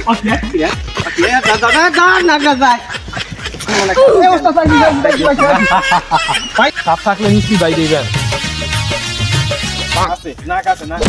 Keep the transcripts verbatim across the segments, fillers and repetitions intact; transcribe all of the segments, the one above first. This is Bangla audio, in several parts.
ওকে ওকে দাদা দাদা নাগরা যায় এই ওস্তাদ ভাই ভাই সাপ থাকলে নিশ্চয়ই বাই দিবেন। আছে নাক আছে নাক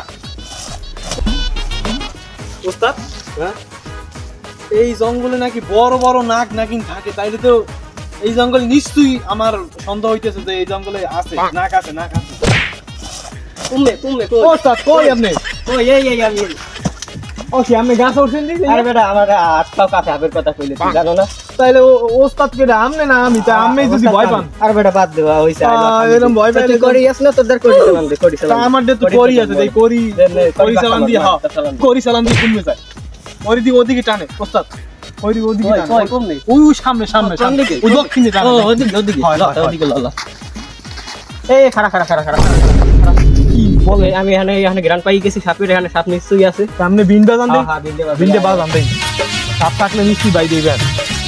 ওস্তাদ হ্যাঁ এই জঙ্গলে নাকি বড় বড় নাক নাকি থাকে, তাইলে তো এই জঙ্গলে নিশ্চয়ই আমার সন্দেহ হইতেছে যে এই জঙ্গলে আছে নাক আছে নাক আছে। তুমি তুমি ওস্তাদ কই আপনি? কই এই এই আমি ওকে আপনি গাছ উঠছেন দিন? আরে বেটা আমার আটটাও কাছে আবের কথা কইলে তুই জানো না? তাইলে ওস্তাদ কে আমনে না আমি তা আমি যদি ভয় পান আরে বেটা বাদ দেওয়া হইছে এরকম ভয় পাইলে তুই করি আস না তোদের করি চালান দে করি তা চালান আমার তো করি আছে তাই করি করি চালান দিয়ে হ্যাঁ করি চালান দিয়ে কমে যায় ওই দিকে ওদিকে টানে ওস্তাদ ওই দিকে ওদিকে কই টানে কই কম নেই ওই সামনে সামনে সামনে ওই দক্ষিণে টানে ও ওদিকে ওদিকে হয়, হয়, হয়। ওদিকে ললা এই খাড়া খাড়া খাড়া খাড়া কি বলে আমি এখানে এখানে গ্রান পাই গেছি সাপের এখানে সাপ নিশ্চয়ই আছে সামনে বিন বাজান দেই হ্যাঁ বিন্দে বাজ বিন্দে বাজান দেই সাপ থাকলে নিশ্চয়ই বাই দিবেন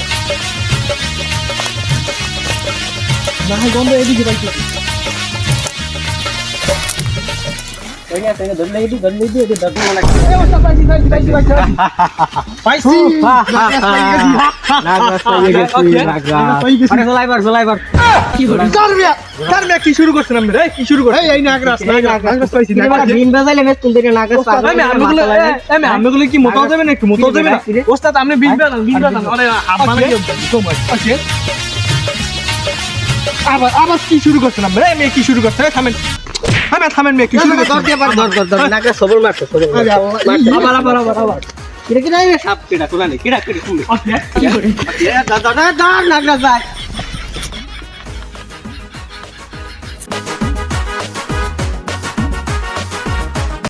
না হয় গন্ধ এদিকে পাইছি ওই না তাই ধরলে দিদি ধরলে দিদি এটা দাদু মনে এই ওস্তাদ পাইছি পাইছি পাইছি পাইছি পাইছি নাগরাজ পাইয়ে গেছি নাগরাজ আরে জলাইবার জলাইবার কি হলো কার মিয়া কার মিয়া কি শুরু করছেন আপনি এই কি শুরু করছেন এই এই নাগরাজ নাগরাজ নাগরাজ পাইছি এবার নাগরাজ বিন বাজাইলে মেস তুলতে নাগরাজ ওস্তাদ আমি আমগুলো আমি আমগুলো কি মোটাও দেবেন একটু মোটাও দেবেন ওস্তাদ আপনি বিন বাজান বিন বাজান আরে আপনারা কি সময় ওকে আবার আবার কি শুরু করছেন আপনি এই মেয়ে কি শুরু করছেন থামেন থামেন থামেন মেয়ে কি শুরু করছেন দর দিয়ে দর দর দর নাগরাজ সবল মারছো সবল আরে আল্লাহ আবার আবার আবার আবার কিরা কিরা সাপ কিরা তোলা নেই কিরা কিরা তুমি ওকে দাদা দাদা নাগরাজ যায়